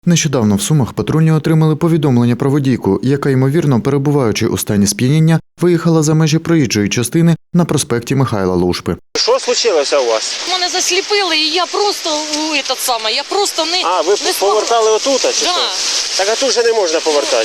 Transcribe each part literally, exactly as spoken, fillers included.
Нещодавно в Сумах патрульні отримали повідомлення про водійку, яка, ймовірно, перебуваючи у стані сп'яніння, виїхала за межі проїжджої частини на проспекті Михайла Лушпи. Що случилося у вас? Мене засліпили, і я просто у этот самий, я просто не А, ви не повертали отут, а чи Да. що? Так а тут же не можна повертати.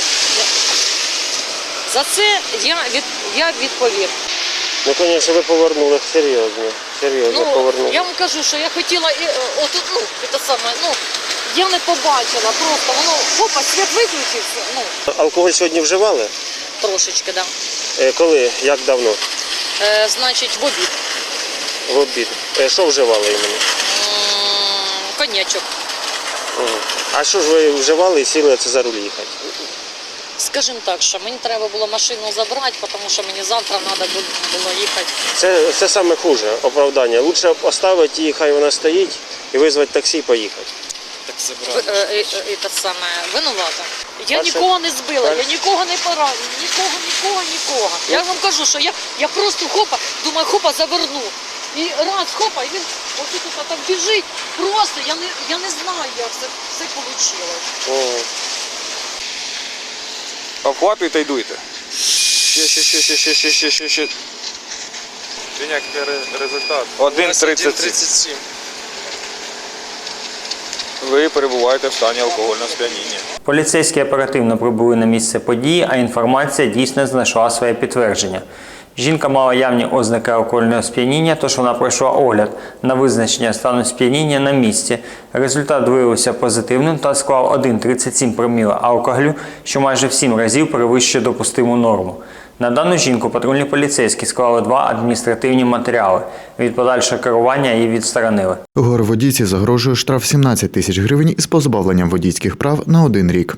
За це я від я відповів. Ну, звісно, ви повернули серйозно. Серйозно Ну повернули. я вам кажу, що я хотіла і, е, отут, ну це саме, ну я не побачила, просто воно опа, світ виключився. Ну Алкоголь сьогодні вживали? трошечки, да. Е, коли? Як давно? Е, значить, в обід. В обід. Е, що вживали іменно? М, Коньячок. Угу. А що ж ви вживали і сіли це за руль їхати? Скажімо так, що мені треба було машину забрати, тому що мені завтра треба було їхати. Це, це саме хуже оправдання. Лучше поставити її, хай вона стоїть, і визвати таксі і поїхати. Ви- е, е, е, Це саме винувата. Я Перше- нікого не збила, я перше- нікого не поранила, нікого, нікого, нікого. Я вам кажу, що я, я просто хопа, думаю, хопа, заверну. І раз, хопа, і він отут от так біжить. Просто я не, я не знаю, як це все вийшло. Угу. Обхватуйте і дуйте. Ще, ще, ще, ще, ще, ще, ще, ще, ще. Який результат? один тридцять сім. Ви перебуваєте в стані алкогольного сп'яніння. Поліцейські оперативно прибули на місце події, а інформація дійсно знайшла своє підтвердження. Жінка мала явні ознаки алкогольного сп'яніння, тож вона пройшла огляд на визначення стану сп'яніння на місці. Результат виявився позитивним та склав один тридцять сім проміла алкоголю, що майже в сім разів перевищує допустиму норму. На дану жінку патрульні поліцейські склали два адміністративні матеріали. Від подальшого керування її відсторонили. Горводійці загрожує штраф сімнадцять тисяч гривень із позбавленням водійських прав на один рік.